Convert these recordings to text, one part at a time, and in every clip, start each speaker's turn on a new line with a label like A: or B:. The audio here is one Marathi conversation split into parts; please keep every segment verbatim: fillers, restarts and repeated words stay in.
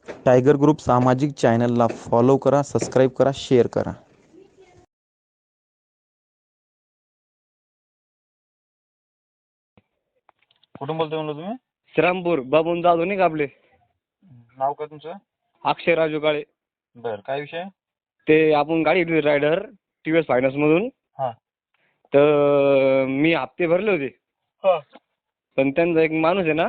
A: टायगर ग्रुप सामाजिक चॅनलला फॉलो करा, सबस्क्राईब करा, शेअर करा.
B: कुठून बोलतोय म्हणलं तुम्ही?
C: श्रीरामपूर बाबून जाधव नाही का आपले?
B: नाव काय तुमचं?
C: अक्षय राजू काळे.
B: बर, काय विषय?
C: ते आपण गाडी घेतली Raider T V S finance मधून.
B: हा
C: तर मी हप्ते भरले होते,
B: हा
C: पण त्यांचा एक माणूस आहे ना,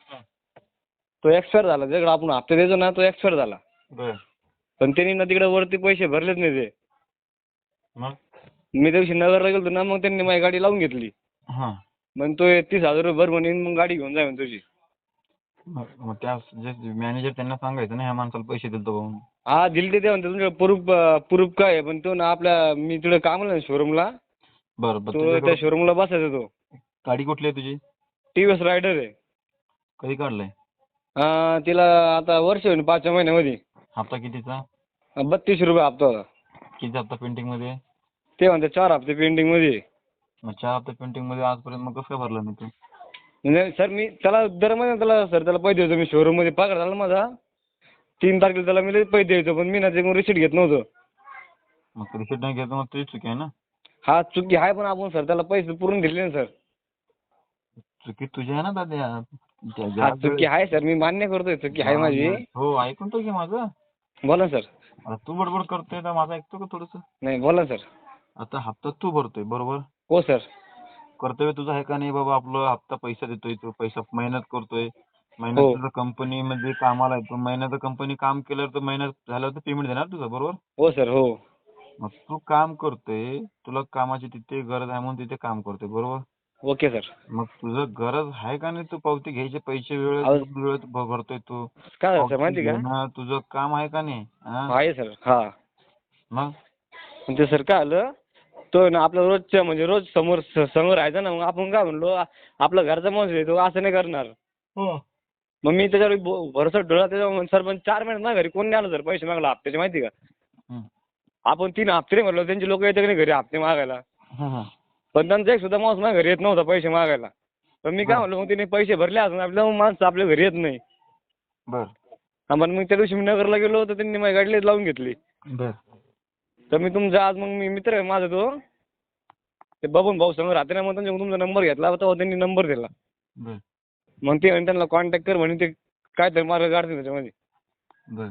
C: तो एक्सपायर झाला. ज्याकडे आपण हप्ते द्यायचो ना, तो एक्सपायर झाला.
B: बर,
C: पण त्यांनी ना तिकडे वरती पैसे भरलेच नाही ते.
B: मग
C: मी त्या दिवशी नगरला गेलो ना, मग त्यांनी माझी गाडी लावून घेतली.
B: हा
C: मग तो तीस हजार रुपये भर म्हणून मग गाडी घेऊन जाय तुझी.
B: मग मग त्या जे मॅनेजर त्यांना सांगायचं ना, ह्या माणसाला पैसे दिलतो म्हणून.
C: हा दिले ते म्हणते तुमच्या प्रूफ प्रूफ काय आहे, पण तो ना आपल्या मी तिकडे कामाला शोरूमला,
B: बर बर,
C: तो त्या
B: तुझ्याकडं
C: शोरूमला बसायचा. तो
B: गाडी कुठली आहे तुझी?
C: टी व्ही एस रायडर आहे.
B: कधी काढलाय?
C: हा, तिला आता वर्ष होईल पाचव्या महिन्यामध्ये.
B: हप्ता कितीचा?
C: बत्तीसशे रुपये हप्ता होता.
B: किती हप्ता पेंटिंग मध्ये आहे?
C: ते म्हणते चार हप्ते पेंटिंग मध्ये आहे.
B: मग चार हप्ता पेंटिंग मध्ये आजपर्यंत मग कसं काय भरला नाही तू?
C: म्हणजे सर मी त्याला दर महिन्यात त्याला सर त्याला पैसे द्यायचो. मी शोरूम मध्ये पगार झाला माझा तीन तारखेला, त्याला मी लगेच पैसे द्यायचो. पण मी ना ते रिसिट घेत नव्हतो.
B: मग रिसिट नाही घेत, मग तुझी चुकी आहे ना.
C: हा चुकी आहे, पण आपण सर त्याला पैसे पुरून दिले ना सर.
B: चुकी तुझी आहे ना दादा. ज्या- ज्या
C: हा
B: वेळेस-
C: चुकी आहे सर, मी मान्य करतोय चुकी आहे माझी.
B: हो, ऐकून तो घे माझं.
C: बोला सर.
B: आता तू बडबड करतोय तर माझं ऐकतो का थोडस?
C: नाही बोला सर.
B: आता हप्ता तू भरतोय बरोबर.
C: हो सर.
B: कर्तव्य तुझं आहे का नाही बाबा? आपलं हप्ता पैसा देतोय, तू पैसा मेहनत करतोय,
C: हो.
B: महिन्यात तुझं कंपनीमध्ये कामाला आहे, तू महिन्याचं कंपनी काम केल्यावर तर महिन्यात झाल्यावर पेमेंट देणार तुझं बरोबर.
C: हो सर. हो.
B: मग तू काम करतोय, तुला कामाची तिथे गरज आहे म्हणून तिथे काम करतोय बरोबर.
C: Okay sir.
B: मग तुझं गरज आहे का नाही? तू पावती घ्यायचे पैसे वेळेत
C: अहो.
B: वेळेत भ- भरतोय तू.
C: काय झालं सर
B: पावती
C: माहिती का?
B: घेणं तुझं काम आहे का नाही? हा?
C: आहे सर. हा.
B: मग
C: पण ते सर काय आलं, तो ना आपल्या रोजच्या म्हणजे रोज समोर स- समोर राहायचा ना, मग आपण काय म्हणलो आ- आपला घरचा माणूस आहे तो असं नाही करणार. मग मी त्याच्यावर भो- भरोसा ठेवला. त्याच्यावर सर पण चार महिन्यात ना घरी कोण नाही आलं सर पैसे मागायला हप्त्याचे माहिती का?
B: हम्म.
C: आपण तीन हप्ते नाही म्हणलो, त्यांचे लोक येते की नाही घरी हप्ते मागायला.
B: हम्म.
C: पण त्यांचा एक सुद्धा माणूस माझ्या घरी येत नव्हता पैसे मागायला. पण मी काय म्हणलो, मग तिने पैसे भरले असून आपल्या माणसं आपल्या घरी येत नाही.
B: बर
C: हा, पण मग त्या दिवशी मी नगरला गेलो तर त्यांनी माझी गाडी लावून घेतली.
B: बर
C: तर मी तुमचा आज मग मी मित्र आहे माझा तो, ते बबन भाऊ समोर राहते ना, मग त्यांच्याकडून तुमचा नंबर घेतला तेव्हा त्यांनी नंबर दिला.
B: बर
C: मग ते म्हणे त्यांना कॉन्टॅक्ट कर म्हणे, ते काय तर मार्ग काढतील त्याच्यामध्ये.
B: बर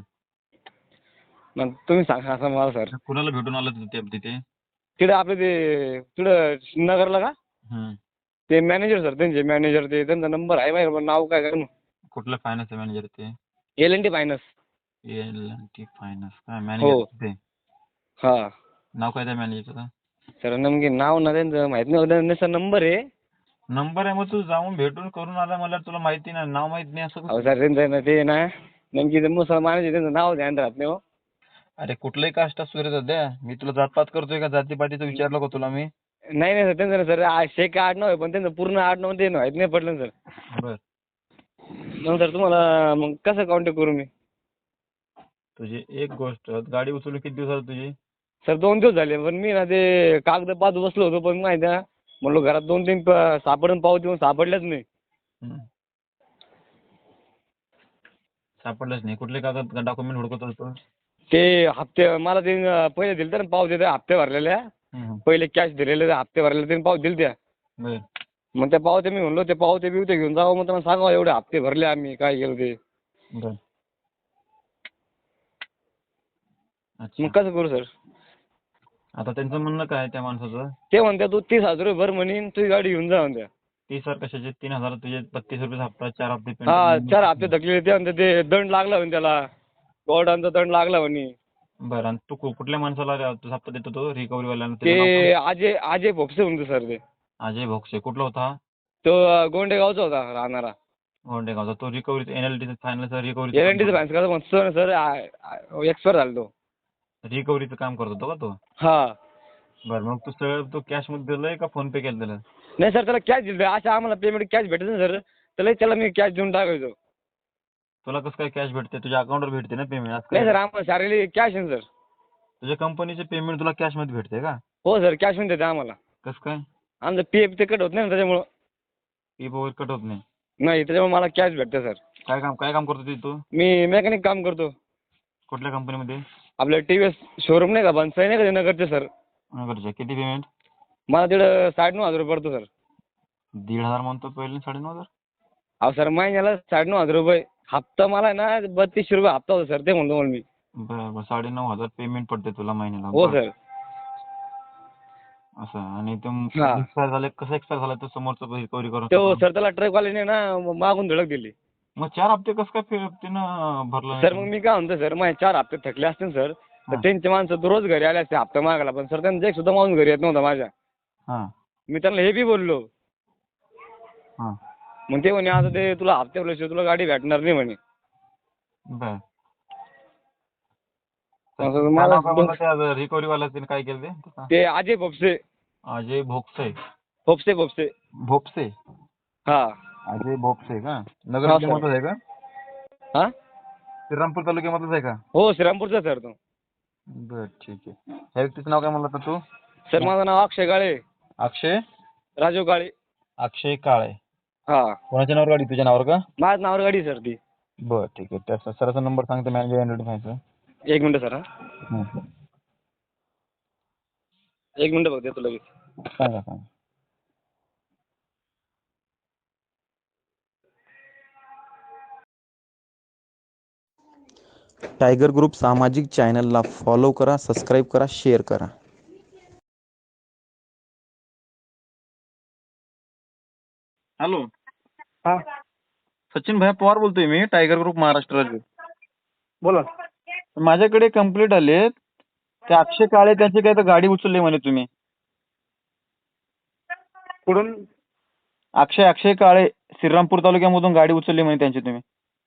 C: मग तुम्ही सांगा असं मला सर.
B: कुणाला भेटून आलं तू ते- तिथे?
C: तिकडे आपले ते तिकडं नगरला का
B: हम्म.
C: ते मॅनेजर सर, त्यांचे मॅनेजर, ते त्यांचा नंबर आहे माझ्याकडे, पण नाव काय काय
B: कुठलं फायनान्स मॅनेजर ते?
C: L N T finance.
B: L N T finance काय
C: हो.
B: मॅनेजर ते?
C: हा
B: नाव काय त्या मॅनेजरचं?
C: सर नेमके नाव ना त्यांचं माहित नाही, त्यांचा नंबर आहे.
B: नंबर आहे, मग तू जाऊन भेटून करून आला मला, तुला माहिती नाही, नाव माहित नाही असं
C: अहो
B: कसं?
C: सर त्यांचं ना ते ना नेमकी ते मुसलमान आहे, त्यांचं नाव ध्यान राहत नाही हो.
B: अरे कुठलंही कास्ट असू रे दादा, मी तुला जातपात करतोय का? जातीपातीचं विचारलं का तुला मी?
C: नाही नाही सर, त्यांचं ना सर आ- शेख आडनाव आहे, पण त्यांचं पूर्ण आडनाव ते माहित नाही पडलं ना सर.
B: बर
C: मग सर तुम्हाला मग कसं कॉन्टॅक्ट करू मी?
B: तुझी एक गोष्ट, गाडी उचलून किती दिवस झाले तुझी?
C: सर दोन दिवस झाले, पण मी ना ते कागद पाहत बसलो होतो, पण माहिती आहे म्हणलो घरात दोन तीन प- सापडून पावती पण सापडल्याच नाही.
B: हम्म. सापडलंच नाही? कुठले कागद डॉक्युमेंट हुडकत होतो?
C: ते हप्ते मला ते पहिले दिले ना पावत्या, त्या हप्ते भरलेल्या,
B: हम्म.
C: पहिले कॅश दिलेले त्या हप्ते भरलेले, त्यांनी पावती दिली त्या.
B: बर
C: मग त्या पावत्या मी म्हणलो ते पावते बिवते घेऊन जावं, मग त्यांना सांगावं एवढे हप्ते भरले आम्ही, काय केलं ते.
B: बर अच्छा.
C: मग कसं करू सर?
B: आता त्यांचं म्हणणं काय त्या माणसाचं?
C: ते म्हणत्या तू तीस हजार रुपये भर म्हणीन, तुझी गाडी घेऊन जा म्हणत्या.
B: तीस हजार कशाचे? तीन हजार तुझे बत्तीस रुपये हप्ता, चार हप्ते
C: हा
B: पेंटिंग.
C: चार हप्ते थकले ते म्हणते, ते दंड लागला म्हणे त्याला, कोर्टाचा दंड लागला म्हणे.
B: बरं, आणि तू कु- कुठल्या माणसाला रे- तुझा हप्ता देतो तो रिकव्हरी वाल्यानं?
C: ते अजय अजय भोपसे म्हणतो सर ते.
B: अजय भोगसे. कुठला होता हा?
C: तो अं, गोंडेगावचा होता राहणारा.
B: गोंडेगावचा. तो रिकव्हरी एन एल टी फायनलचा रिकव्हरी
C: एल एन टीचं फायनान्स करतो म्हणतो सर, एक्सपायर झाला तो.
B: रिकव्हरीचं काम करत होतो का तो?
C: हा.
B: बरं, मग तू सगळं तो कॅश मध्ये दिलंय का फोन पे केलं त्याला?
C: नाही सर, त्याला कॅश दिली, असं आम्हाला पेमेंट कॅश भेटत ना सर, त्याला त्याला मी कॅश देऊन टाकायचो.
B: तुला कसं काय कॅश भेटते? तुझ्या अकाउंटवर भेटते ना पेमेंट?
C: नाही सर, आम्हाला शारीरिक कॅश आहे सर.
B: तुझ्या कंपनीचे पेमेंट तुला कॅश मध्ये भेटते का?
C: हो सर, कॅश मध्ये देते आम्हाला.
B: कसं काय?
C: आमचं पी एफ ते कट होत नाही ना त्याच्यामुळं.
B: पी वगैरे कट होत नाही?
C: नाही, त्याच्यामुळे मला कॅश भेटते सर.
B: काय काम काय काम करतो तू?
C: मी मेकॅनिक काम करतो.
B: कुठल्या कंपनीमध्ये?
C: आपलं टी व्ही एस शोरूम नाही का बनसाई नाही का ते नगरचे सर.
B: नगरच्या. किती पेमेंट?
C: मला तिकडं साडेनऊ हजार रुपये पडतो सर.
B: दीड हजार म्हणतो पहिले साडेनऊ हजार.
C: अहो सर महिन्याला साडेनऊ हजार रुपये. हप्ता मला आहे ना बत्तीसशे रुपये हप्ता होता सर, ते म्हणतो मला मी.
B: बरं बरं साडेनऊ हजार पेमेंट पडते तुला महिन्याला.
C: हो
B: बरं.
C: सर.
B: असं आणि ते
C: हा.
B: एक्सपायर झाले कसं एक्सपायर झाला तो समोरचं रिकव्हरी करून
C: तो सर त्याला ट्रकवाल्याने ना मागून धडक दिली.
B: मग चार हप्ते कसं काय फे- त्यानं भरलं
C: सर मग
B: नाही?
C: मी काय म्हणतो सर, माझे चार हप्ते थकले असते ना सर, तर
B: हा.
C: त्यांचे माणसं दररोज घरी आले असते हप्ता मागायला, पण सर त्यांचा एक सुद्धा माणूस घरी येत नव्हता माझ्या.
B: हा
C: मी त्यांना हे बी बोललो.
B: हा
C: मग ते म्हणे आता ते तुला हप्ते भरल्याशिवाय तुला गाडी भेटणार नाही म्हणे.
B: बर.
C: असं मला
B: रिकव्हरी वाला काय केलं ते?
C: ते अजय भोपसे.
B: अजय भोपसे.
C: भोपसे भोपसे
B: भोपसे.
C: हा.
B: अजय भोपसे का?
C: हा,
B: नगर
C: सर.
B: जिल्ह्यामधलाच आहे का?
C: हा
B: श्रीरामपूर तालुक्यामधलाच आहे का?
C: हो श्रीरामपूरचा सर तो.
B: बर ठीक आहे. ह्या व्यक्तीचं नाव काय म्हणलं होतं तू?
C: सर माझं नाव अक्षय काळे.
B: अक्षय
C: राजू काळे.
B: अक्षय काळे.
C: हा.
B: कोणाच्या नावावर गाडी? तुझ्या नावावर का?
C: माझ्या नावावर गाडी सर ती.
B: बर ठीक आहे. त्या सराचा नंबर सांगतो मॅनेजर आयडेंटिफायचा.
C: एक मिनिट सर. हा एक मिनिट बघ देतो लगेच.
B: सांगा सांगा.
A: टायगर ग्रुप सामाजिक चॅनलला फॉलो करा, सबस्क्राईब करा, शेअर करा.
B: हॅलो.
D: हा
B: सचिन भैया पवार बोलतोय मी, टायगर ग्रुप महाराष्ट्र राज्य.
D: बोला.
B: माझ्याकडे कंप्लीट आले. ते अक्षय काळे त्यांची काय तर गाडी उचलली म्हणे तुम्ही.
D: कुठून?
B: अक्षय अक्षय काळे श्रीरामपूर तालुक्यामधून गाडी उचलली म्हणे त्यांची तुम्ही.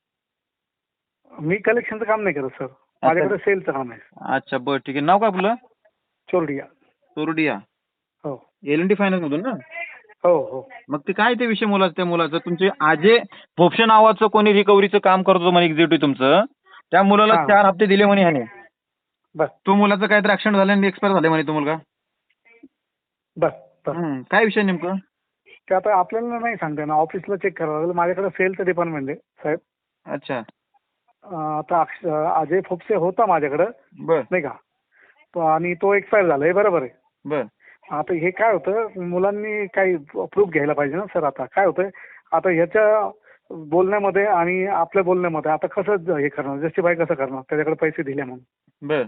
D: मी कलेक्शनचं काम नाही करत सर, माझ्याकडे सेलचं काम आहे.
B: अच्छा बरं ठीक आहे. नाव काय आपलं?
D: चोरडिया.
B: चोरडिया.
D: हो
B: एल एन डी फायनान्स मधून ना?
D: हो हो.
B: मग ते काय ते विषय मुलाचं त्या मुलाचं तुमचे अजय भोपशे नावाचं कोणी रिकव्हरीचं काम करतो म्हणे एक्झिक्युटिव्ह तुमचं, त्या मुलाला
D: हा.
B: चार हप्ते दिले म्हणे ह्याने.
D: बर
B: तो मुलाचं काहीतरी ऍक्सिडेंट झालं आणि एक्सपायर झाले म्हणे तो मुलगा.
D: बर बर.
B: हम्म. काय विषय नेमकं?
D: ते आता आपल्याला नाही सांगता येणार, ऑफिसला चेक करावं लागेल. माझ्याकडे सेलचं डिपार्टमेंट आहे साहेब.
B: अच्छा
D: अं, आता अक्ष अजय फोपसे होता माझ्याकडं
B: बर
D: नाही का, तो आणि तो एक्सपायर झाला, हे बरोबर आहे.
B: बर
D: आता हे काय होतं, मुलांनी काही प्रूफ घ्यायला पाहिजे ना सर. आता काय होतं, आता ह्याच्या बोलण्यामध्ये आणि आपल्या बोलण्यामध्ये आता कसं हे करणार, जस्टिफाय कसं करणार त्याच्याकडे पैसे दिले म्हणून.
B: बर.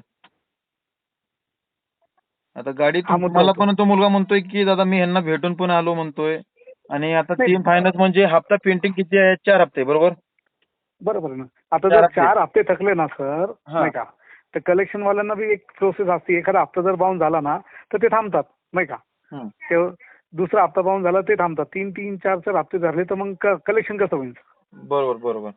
B: आता गाडी
D: हा मुद्दा
B: मला
D: होतो.
B: पण तो मुलगा म्हणतोय की दादा मी ह्यांना भेटून पण आलो म्हणतोय. आणि आता
D: नाही.
B: तीन फायनान्स म्हणजे हप्ता पेंटिंग किती आहे? चार हप्ते बरोबर?
D: बरोबर आहे ना. आता
B: चार
D: जर
B: हप्ते.
D: चार हप्ते थकले ना सर
B: हा.
D: नाही का, तर कलेक्शन वाल्यांना बी एक प्रोसेस असते. एखादा हप्ता जर बाउन्स झाला ना तर ते थांबतात नाही का.
B: हम्म.
D: ते दुसरा हप्ता बाउन्स झाला ते थांबतात. तीन तीन चार चार हप्ते धरले तर मग कलेक्शन कसं होईल?
B: बरोबर बरोबर.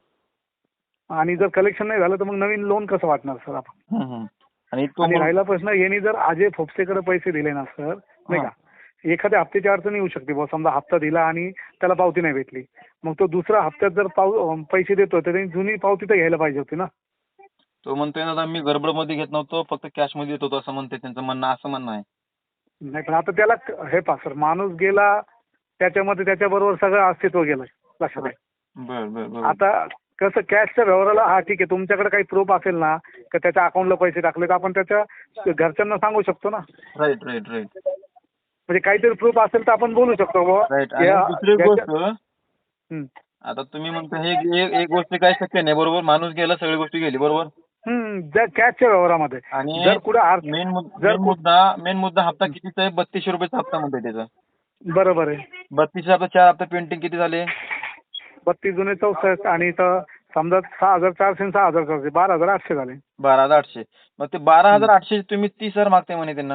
D: आणि जर कलेक्शन नाही झालं तर मग नवीन लोन कसं वाटणार सर आपण?
B: हम्म, हम्म. आणि तो
D: आणि
B: मुल-
D: राहिला प्रश्न, यांनी जर अजय फोपसेकडे पैसे दिले ना सर नाही
B: हा.
D: का, एखाद्या हप्त्याची अडचण येऊ शकते. बुवा समजा हप्ता दिला आणि त्याला पावती नाही भेटली, मग तो दुसऱ्या हप्त्यात जर पाव पैसे देतो तर त्यांनी जुनी पावती तर घ्यायला पाहिजे होती ना.
B: तो म्हणतोय दादा मी गडबडमध्ये घेत नव्हतो, फक्त कॅश मध्ये देत होतो असं म्हणते. त्यांचं म्हणणं असं म्हणणं आहे.
D: नाही पण आता त्याला क- हे पहा सर, माणूस गेला त्याच्यामध्ये त्याच्याबरोबर सगळं अस्तित्व गेलं. लक्षात आहे.
B: बर बर बर.
D: आता कसं कॅशच्या व्यवहाराला हा ठीक आहे, तुमच्याकडे काही प्रूफ असेल ना का त्याच्या अकाउंटला पैसे टाकले तर आपण त्याच्या घरच्यांना सांगू शकतो ना.
B: राईट राईट राईट
D: म्हणजे काहीतरी प्रूफ असेल तर आपण बोलू शकतो बुवा.
B: राईट. आणि
D: या-
B: दुसरी
D: याच्या-
B: गोष्ट,
D: हं.
B: आता तुम्ही म्हणता हे एक एक गोष्ट काय शक्य नाही बरोबर. माणूस गेला सगळी गोष्टी गेली बरोबर.
D: हं, जर कॅशच्या व्यवहारामध्ये
B: आणि
D: जर कुठं आर-
B: मेन
D: जर कु-
B: मुद्दा मेन मुद्दा हप्ता कितीचा आहे? बत्तीसशे रुपयाचा हप्ता म्हणतोय त्याचा.
D: बरोबर आहे.
B: बत्तीसशे हप्ता चार हप्ता पेंटिंग किती झाले?
D: बत्तीस जुने चौसष्ट आणि इथं समजा सहा हजार चारशे आणि सहा हजार चारशे बारा हजार आठशे झाले.
B: बारा हजार आठशे. मग ते बारा हजार आठशे तुम्ही तीस हजार मागताय म्हणे त्यांना.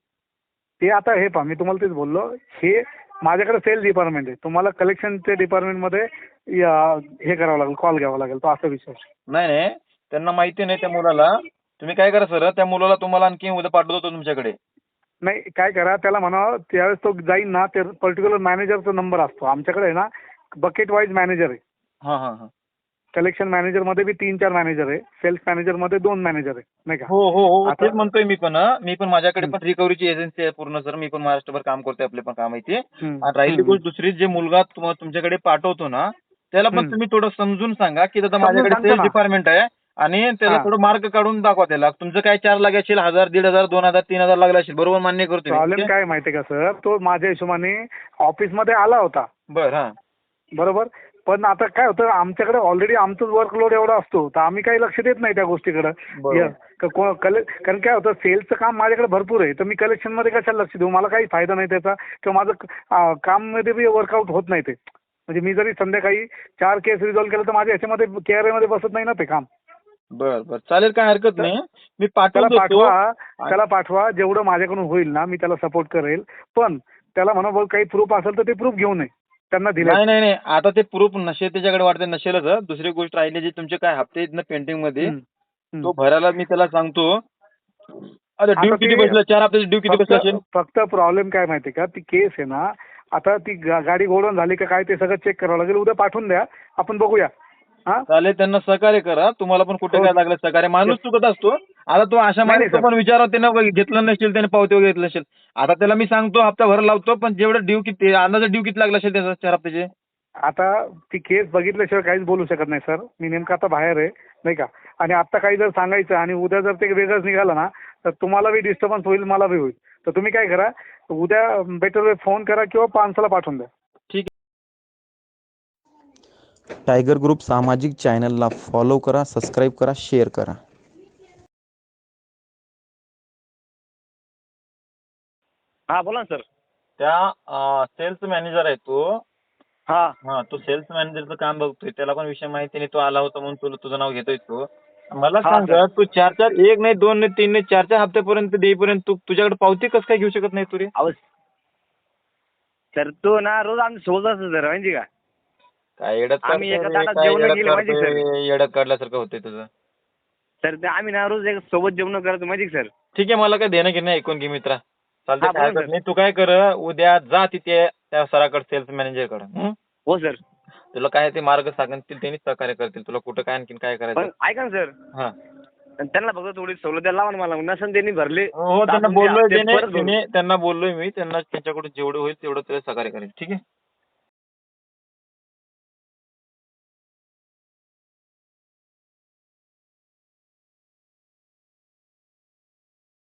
D: ते आता हे पहा, मी तुम्हाला तेच बोललो, हे माझ्याकडे सेल डिपार्टमेंट आहे. तुम्हाला कलेक्शनच्या डिपार्टमेंटमध्ये या- हे करावं लागेल, कॉल घ्यावा लागेल. तो असा विषय आहे.
B: नाही नाही त्यांना माहिती नाही त्या मुलाला. तुम्ही काय करा सर, त्या मुलाला तुम्हाला आणखी उद्या पाठवतो तुमच्याकडे.
D: नाही काय करा, त्याला म्हणा त्यावेळेस तो जाईन ना, ते पर्टिक्युलर मॅनेजरचा नंबर असतो आमच्याकडे आहे ना. बकेट वाईज मॅनेजर आहे.
B: हां हां हां.
D: कलेक्शन मॅनेजरमध्ये बी तीन चार मॅनेजर आहे, सेल्स मॅनेजरमध्ये दोन मॅनेजर आहे नाही का.
B: हो हो हो
D: आता-
B: तेच म्हणतोय मी पण. हं. मी पण माझ्याकडे
D: हं.
B: पण रिकव्हरीची एजन्सी आहे पूर्ण सर. मी पण महाराष्ट्रभर काम करतोय, आपले पण काम आहे ते.
D: हं,
B: आणि राहिली
D: हं,
B: गोष्ट दुसरी, जे मुलगा तुम्हा- तुमच्याकडे पाठवतो ना त्याला पण
D: हम्म.
B: तुम्ही थोडं समजून सांगा की दादा
D: समजून
B: माझ्याकडे
D: सांगतो
B: सेल्स
D: ना.
B: डिपार्टमेंट आहे आणि त्याला
D: हा.
B: थोडं मार्क काढून दाखवा त्याला. तुमचं काय चार लागले असेल, हजार, दीड हजार, दोन हजार, तीन हजार लागले असेल, बरोबर मान्य करतो मी.
D: प्रॉब्लेम
B: ठीक आहे?
D: काय आहे माहितीये का सर, तो माझ्या हिशोबाने ऑफिसमध्ये आला होता
B: बरं हा.
D: बरोबर, पण आता काय होतं आमच्याकडे ऑलरेडी आमचं वर्कलोड एवढा असतो तर आम्ही काही लक्ष देत नाही त्या गोष्टीकडे.
B: बरोबर.
D: कारण काय होतं सेल्सचं काम माझ्याकडे भरपूर आहे तर मी कलेक्शन मध्ये कशाला लक्ष देऊ, मला काही फायदा नाही त्याचा किंवा माझं अं, काम मध्ये बी वर्कआउट होत नाही ते. म्हणजे मी जरी संध्याकाळी चार केस रिझॉल्व्ह केलं तर माझ्या ह्याच्यामध्ये केअर मध्ये बसत नाही ना ते काम.
B: बर बर चालेल, काय हरकत नाही. मी
D: त्याला
B: पाठवून देतो.
D: पाठवा त्याला पाठवा जेवढं माझ्याकडून होईल ना मी त्याला सपोर्ट करेल, पण त्याला म्हणा भाऊ काही प्रूफ असेल तर ते प्रूफ घेऊन ये त्यांना दिले.
B: नाही नाही नाही, आता ते प्रूफ नशे त्याच्याकडे वाटते, नसेलच हं. दुसरी गोष्ट राहिली जी तुमचे काय हप्ते आहेत ना पेंटिंग मध्ये, तो भरायला मी त्याला सांगतो. अरे
D: आता
B: ड्यू किती
D: ते-
B: बसलं, चार हप्त्याची ड्यू किती बसलं असेल?
D: फक्त फक्त प्रॉब्लेम काय माहितीये का, ती केस आहे ना आता ती गा- गाडी गोडवून झाली का काय ते सगळं चेक करावं लागेल. उद्या पाठवून द्या आपण बघूया. हा
B: चालेल, त्यांना सहकार्य करा. तुम्हाला पण कुठे
D: हो.
B: काय लागलं सहकार्य, माणूस चुकत असतो. आता तो अशा
D: नाही,
B: माणूस
D: नाही,
B: पण विचारा त्यानं घेतलं नसेल, त्याने पावती वगैरे घेतलं नसेल. आता त्याला मी सांगतो हप्ता भर लावतो, पण जेवढं ड्यू किती अंदाजे ड्यू किती लागला असेल त्याचा चार हप्त्याचे?
D: आता ती केस बघितल्याशिवाय काहीच बोलू शकत नाही सर. मी नेमकं आता बाहेर आहे नाही का, आणि आता काही जर सांगायचं आणि उद्या जर ते वेगळंच निघालं ना तर तुम्हाला बी डिस्टर्बन्स होईल, मला बी होईल. तर तुम्ही काय करा, उद्या बेटर वे फोन करा किंवा पानसाला पाठवून द्या.
B: ठीक
A: टायगर ग्रुप सामाजिक चॅनलला फॉलो करा, सबस्क्राईब करा, शेअर करा.
C: हा बोला ना सर.
B: त्या सेल्स मॅनेजर आहे तो.
C: हा
B: हा, तो सेल्स मॅनेजरचं काम बघतोय, त्याला पण विषय माहिती नाही, तो आला होता म्हणून तुला तुझं नाव घेतोय तो. मला
C: हा,
B: सांग,
C: सर.
B: तू चार चार एक नाही, दोन नाही, तीन नाही, चार चार हप्त्यापर्यंत देईपर्यंत तू तुझ्याकडे पावती कसं काय घेऊ शकत नाही तू रे?
C: अहो सर तो ना रोज आमच्या सोबत असतो सर माहिती का.
B: काय येडत
C: आम्ही एका
B: काढतोय रे,
C: ताटात
B: काय
C: जेवणं
B: येडत
C: केली माहिती आहे,
B: काढतोय, येडत काढल्यासारखं होतंय तुझं.
C: सर ते आम्ही ना रोज एक सोबत जेवण करतो माहिती का सर.
B: ठीक आहे, मला काय देणं घेणं नाही, ऐकून घे मित्रा. चालतंय,
C: हा,
B: काय
C: बोला
B: हरकत
C: सर.
B: नाही. तू काय कर, उद्या जा तिथे त्या सराकडे, सेल्स मॅनेजरकडे.
C: हो सर.
B: तुला काय ते मार्ग सांगतील, त्यांनी सहकार्य करतील तुला, कुठं काय आणखीन काय
C: पण
B: करायचं.
C: ऐका ना सर,
B: हा
C: त्यांना फक्त थोडी सवलत द्यायला लावा ना मला. नसन त्यांनी भरले
B: हो,
C: तर
B: त्यांना
C: आपण ते
B: बोललोय
C: हप्ते
B: त्याने
C: परत भरू.
B: त्याने- त्यांना बोललोय मी, त्यांना त्यांच्याकडून जेवढं होईल तेवढं तुला सहकार्य करेल. ठीक आहे.